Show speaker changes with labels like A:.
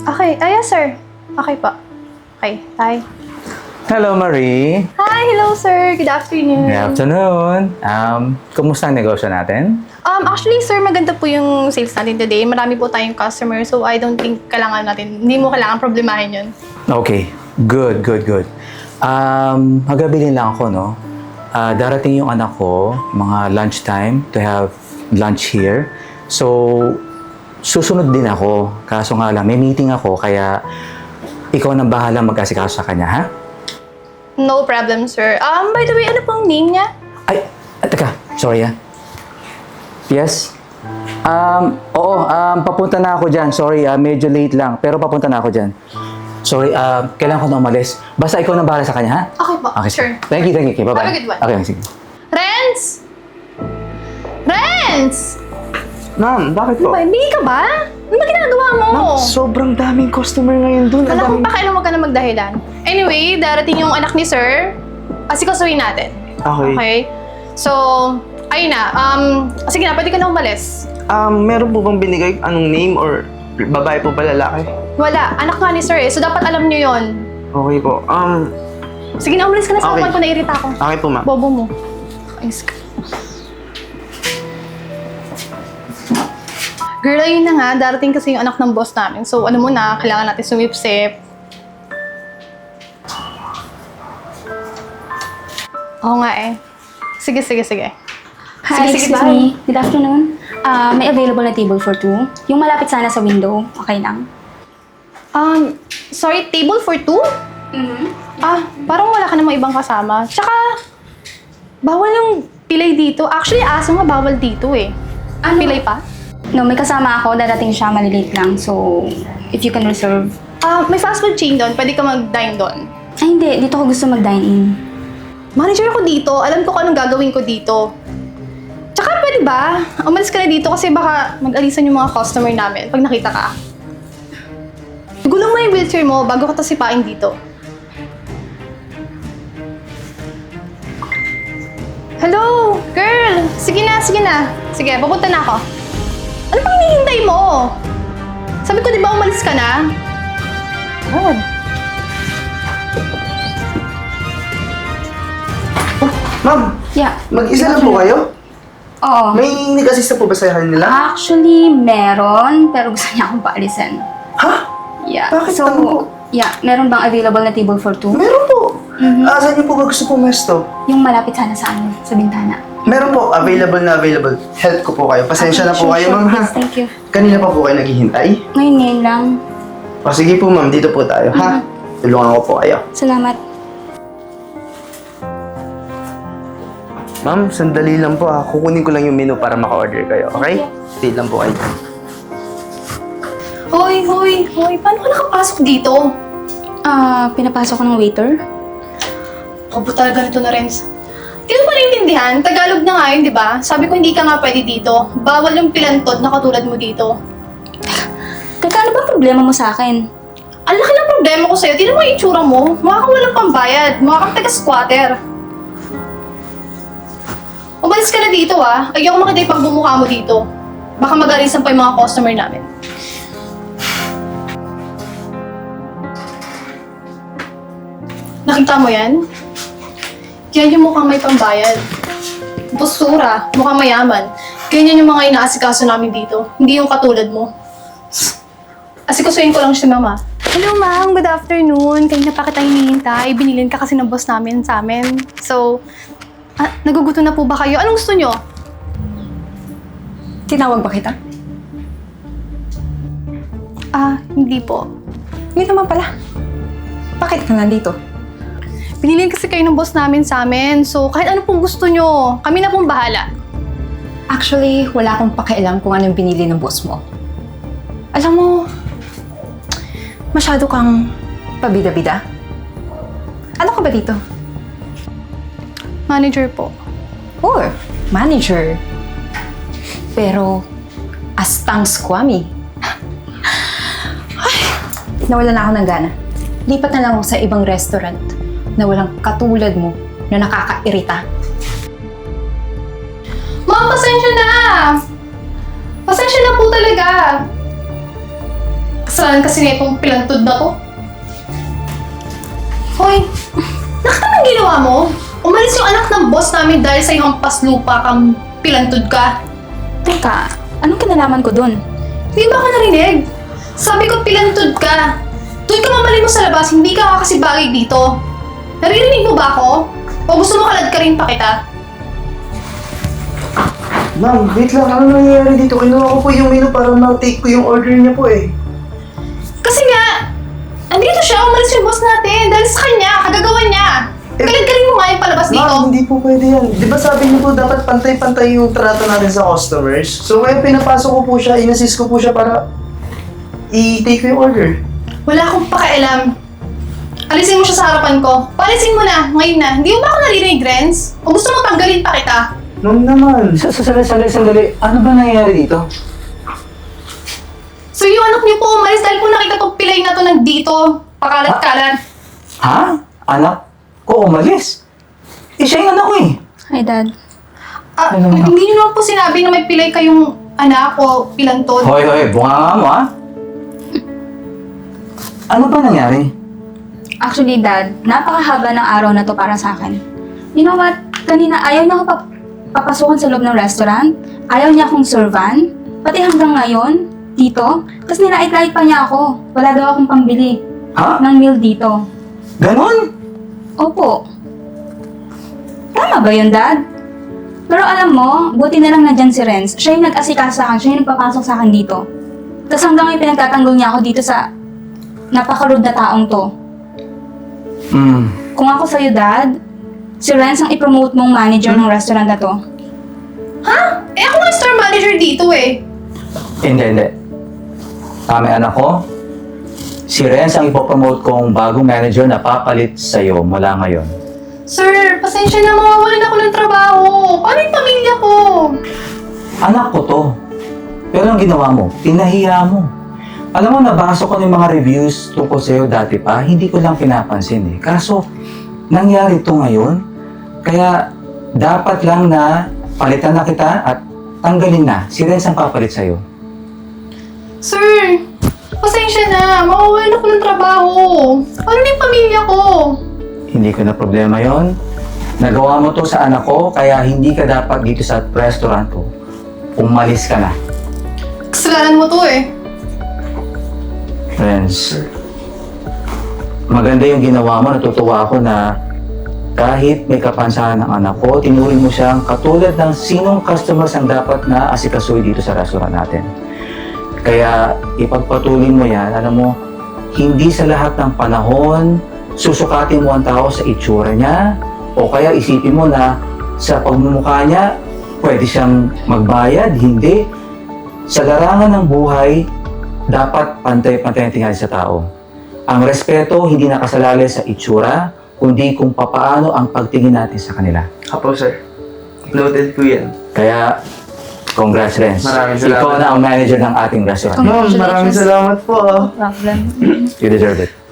A: Okay. Yes, sir. Okay po. Okay. Bye.
B: Hello, Marie.
A: Hi. Hello, sir. Good afternoon.
B: Good afternoon. Kumusta ang negosyo natin?
A: Actually, sir, maganda po yung sales natin today. Marami po tayong customer, so I don't think hindi mo kailangan problemahin yun.
B: Okay. Good. Magabilin lang ako, no? Darating yung anak ko, mga lunchtime, to have lunch here. So, susunod din ako. Kaso nga lang, may meeting ako, kaya ikaw nang bahala mag-asikaso sa kanya, ha?
A: No problem, sir. By the way, ano pong name niya?
B: Ay, teka. Sorry, ha? Yes? Oo, papunta na ako dyan. Sorry, medyo late lang. Pero papunta na ako dyan. Sorry, kailangan ko na umalis. Basta ikaw nang bahala sa kanya, ha?
A: Okay po.
B: Okay,
A: Sure.
B: Thank you. Okay, bye-bye.
A: Have a good one.
B: Okay, sige.
A: Renz! Renz!
C: Ma'am, bakit po?
A: Hindi ka ba? Ano ba ginagawa mo?
C: Ma'am, sobrang daming customer ngayon dun.
A: Kala ko pa kailan mo ka na magdahilan. Anyway, darating yung anak ni sir. Asikasuhin natin. Okay? So, ayun na. Sige na, pwede ka na umalis.
C: Meron po bang binigay anong name or babae po ba lalaki?
A: Wala. Anak nga ni sir eh. So, dapat alam nyo yon.
C: Okay po.
A: Sige na, umalis ka na sa
C: Okay.
A: upan ko. Nairita ako.
C: Okay po, ma'am.
A: Bobo mo. Ayos ka. Girl, ayun na nga. Darating kasi yung anak ng boss namin. So, ano mo na, kailangan natin sumipsip. Oo nga eh. Sige.
D: Hi,
A: Sige,
D: excuse
A: bye.
D: me. Good afternoon. May available na table for two. Yung malapit sana sa window. Okay lang.
A: Sorry, table for two? Parang wala ka namang ibang kasama. Tsaka, bawal yung pilay dito. Actually, aso nga bawal dito eh.
D: Ano?
A: Pilay pa?
D: No, may kasama ako. Darating siya, malilate lang. So, if you can reserve.
A: May fast food chain doon. Pwede ka mag-dine doon.
D: Ay, hindi. Dito ko gusto mag-dine-in.
A: Manager ako dito. Alam ko kung anong gagawin ko dito. Tsaka pwede ba? Umalis ka na dito kasi baka mag-alisan yung mga customer namin pag nakita ka. Gulong mo yung wheelchair mo bago ka tasipain dito. Hello? Girl! Sige na. Sige, papunta na ako. Ano pang hinihintay mo? Sabi ko, di ba umalis ka na? God.
C: Ma'am,
D: Yeah.
C: mag-isa lang po kayo?
D: Oo.
C: May nag-assist na po ba sa kanila?
D: Actually, meron. Pero gusto niya akong paalisan.
C: Ha?
D: Yeah.
C: Bakit
D: So,
C: ano po?
D: yeah. Meron bang available na table for two?
C: Meron po. Saan niyo po ba gusto pumesto?
D: Yung malapit sana sa bintana.
C: Meron po, available. Help ko po kayo. Pasensya na po
D: Okay,
C: kayo,
D: sure,
C: ma'am, ha?
D: please. Thank you.
C: Kanina pa po kayo naghihintay?
D: Ngayon lang.
C: O sige po, ma'am. Dito po tayo, ha? Tulungan ko po kayo.
D: Salamat.
C: Ma'am, sandali lang po, ha? Kukunin ko lang yung menu para maka-order kayo, okay? Stay lang po kayo.
A: Hoy. Paano ka nakapasok dito?
D: Pinapasok ko ng waiter.
A: Kabo talaga nito na, Renz. Hindi mo pa naiintindihan? Tagalog na nga yun, di ba? Sabi ko hindi ka nga pwede dito. Bawal yung pilantod na katulad mo dito.
D: Teka, ano ba problema mo sa akin?
A: Ang laki ng problema ko sa'yo. Tignan mo yung itsura mo. Mukha kang walang pambayad. Mukha kang taga-squatter. Umalis ka na dito, ah. Ayoko makita yung pagbumukha mo dito. Baka mag-alisan pa yung mga customer namin. Nakita mo yan? Yan yung mukhang may pambayad. Busura, mukhang mayaman. Ganyan yung mga inaasikaso namin dito. Hindi yung katulad mo. Asikasuhin ko lang si Mama. Hello, Ma'am. Good afternoon. Kanina pa kita hinihintay. Binilin ka kasi ng boss namin sa amin. So, naguguto na po ba kayo? Anong gusto nyo?
E: Tinawag ba kita?
A: Hindi po.
E: Hindi naman pala. Bakit ka nandito?
A: Binilin kasi kayo ng boss namin sa amin. So, kahit ano pong gusto nyo, kami na pong bahala.
E: Actually, wala akong pakialam kung anong binili ng boss mo. Alam mo, masyado kang pabida-bida. Ano ka ba dito?
A: Manager po.
E: Oh, manager. Pero, astang squammy. Ay, nawalan na ako ng gana. Lipat na lang ako sa ibang restaurant na walang katulad mo na nakakairita.
A: Ma'am, pasensya na! Pasensya na po talaga. Kasalanan kasi na itong pilantod na to. Hoy, nakita mo ang ginawa mo? Umalis yung anak ng boss namin dahil sa hampas lupa kang pilantod ka.
D: Teka, anong kinalaman ko dun?
A: Hindi ba ako narinig? Sabi ko pilantod ka. Doon ka mamali mo sa labas, hindi ka kasi bagay dito. Naririnig mo ba ako? O gusto mo kalad ka rin pa kita?
C: Ma'am, wait lang. Ano nangyayari dito? Kinuha ko po yung menu para ma-take ko yung order niya po eh.
A: Kasi nga, andito siya, umalis yung boss natin. Dahil sa kanya, kagagawa niya. Kalad ka rin mo nga yung palabas dito.
C: Ma'am, hindi po pwede yan. Di ba sabi niyo po dapat pantay-pantay yung trato natin sa customers? So kaya pinapasok ko po siya, inassist ko po siya para i-take ko yung order.
A: Wala akong pakialam. Alisin mo siya sa harapan ko. Paalisin mo na, ngayon na. Hindi mo ba ako naririnig, Renz? O gusto mo tanggalin pa kita?
C: Ma'am naman.
B: Sandali. Ano ba nangyayari dito?
A: So yung anak niyo po umalis dahil po nakita tong pilay na to nandito. Pakalat-kalat.
B: Ha? Anak ko umalis? Siya yung anak ko eh.
D: Hi, Dad.
A: Hindi niyo naman po sinabi na may pilay kayong anak o pilantod.
B: Hoy, bunga mo ha? Ano ba nangyari?
D: Actually, Dad, napakahaba ng araw na to para sa akin. You know what? Kanina ayaw niya ako papasukan sa loob ng restaurant. Ayaw niya akong servan. Pati hanggang ngayon, dito. Tapos nilait-lait pa niya ako. Wala daw akong pambili
B: Ha?
D: ng meal dito.
B: Ganon?
D: Opo. Tama ba yun, Dad? Pero alam mo, buti na lang nandyan si Renz. Siya yung nag-asikaso sa akin. Siya yung nagpapasok sa akin dito. Tapos hanggang ngayon pinagtatanggol niya ako dito sa napaka-rude na taong to. Kung ako sa'yo, Dad, si Renz ang i-promote mong manager ng restaurant na to.
A: Ha? Eh ako nga store manager dito eh.
B: Hindi. Kami anak ko, si Renz ang ipopromote kong bagong manager na papalit sa'yo mula ngayon.
A: Sir, pasensya na, mawawalan ako ng trabaho. Paano yung pamilya ko?
B: Anak ko to. Pero ang ginawa mo, pinahiya mo. Alam mo, nabasa ko ng mga reviews tungkol sa'yo dati pa, hindi ko lang pinapansin eh. Kaso, nangyari to ngayon, kaya dapat lang na palitan na kita at tanggalin na. Si Renz ang papalit sa'yo.
A: Sir, pasensya na, mawawalan ako ng trabaho. Paano yung pamilya ko?
B: Hindi ko na problema yon. Nagawa mo to sa anak ko, kaya hindi ka dapat dito sa restaurant ko. Umalis ka na.
A: Kasalanan mo to eh.
B: Friends, maganda yung ginawa mo. Natutuwa ako na kahit may kapansanan ng anak ko, tinuring mo siyang katulad ng sinong customers ang dapat na asikasuhin dito sa restaurant natin. Kaya ipagpatuloy mo yan. Alam mo, hindi sa lahat ng panahon susukatin mo ang tao sa itsura niya o kaya isipin mo na sa pagmumukha niya pwede siyang magbayad. Hindi. Sa larangan ng buhay, dapat pantay-pantay ang tingin sa tao. Ang respeto hindi nakasalalay sa itsura, kundi kung papaano ang pagtingin natin sa kanila.
C: Apo, sir. Noted po yan.
B: Kaya, congrats, Renz.
C: Maraming salamat.
B: Ikaw na ang manager ng ating restaurant.
C: Ma'am, maraming salamat po.
D: No problem.
B: You deserve it.